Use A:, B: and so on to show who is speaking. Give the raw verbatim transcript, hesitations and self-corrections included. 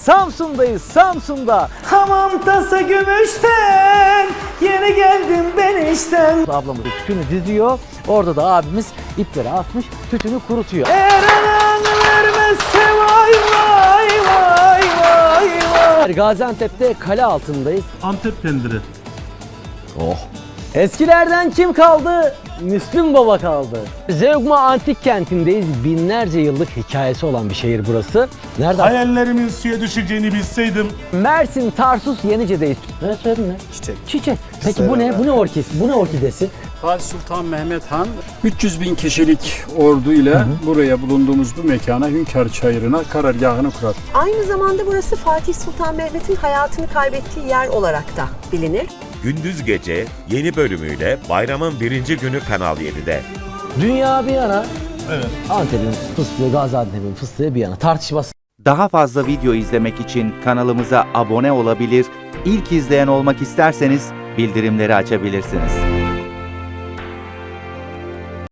A: Samsun'dayız, Samsun'da.
B: Hamam tası gümüşten, yeni geldim ben işten.
A: Ablamız tütünü diziyor. Orada da abimiz ipleri asmış, tütünü kurutuyor.
B: Eğer anan vermezse vay vay vay vay vay.
A: Gaziantep'te kale altındayız.
C: Antep pendiri.
A: Oh. Eskilerden kim kaldı? Müslüm Baba kaldı. Zeugma Antik Kenti'ndeyiz. Binlerce yıllık hikayesi olan bir şehir burası. Nerede?
C: Hayallerimin suya düşeceğini bilseydim.
A: Mersin, Tarsus, Yenice'deyiz. Ne söyledin ne?
D: Çiçek.
A: Çiçek. Peki bu ne? Bu ne orkidesi? Bu ne orkidesi?
D: Fatih Sultan Mehmet Han üç yüz bin kişilik ordu ile buraya bulunduğumuz bu mekana Hünkar Çayırı'na karargahını kurar.
E: Aynı zamanda burası Fatih Sultan Mehmet'in hayatını kaybettiği yer olarak da bilinir.
F: Gündüz Gece yeni bölümüyle bayramın birinci günü Kanal yedide.
A: Dünya bir yana,
C: Evet.
A: Antep'in fıstığı, Gaziantep'in fıstığı bir yana. Tartışması.
G: Daha fazla video izlemek için kanalımıza abone olabilir, ilk izleyen olmak isterseniz bildirimleri açabilirsiniz.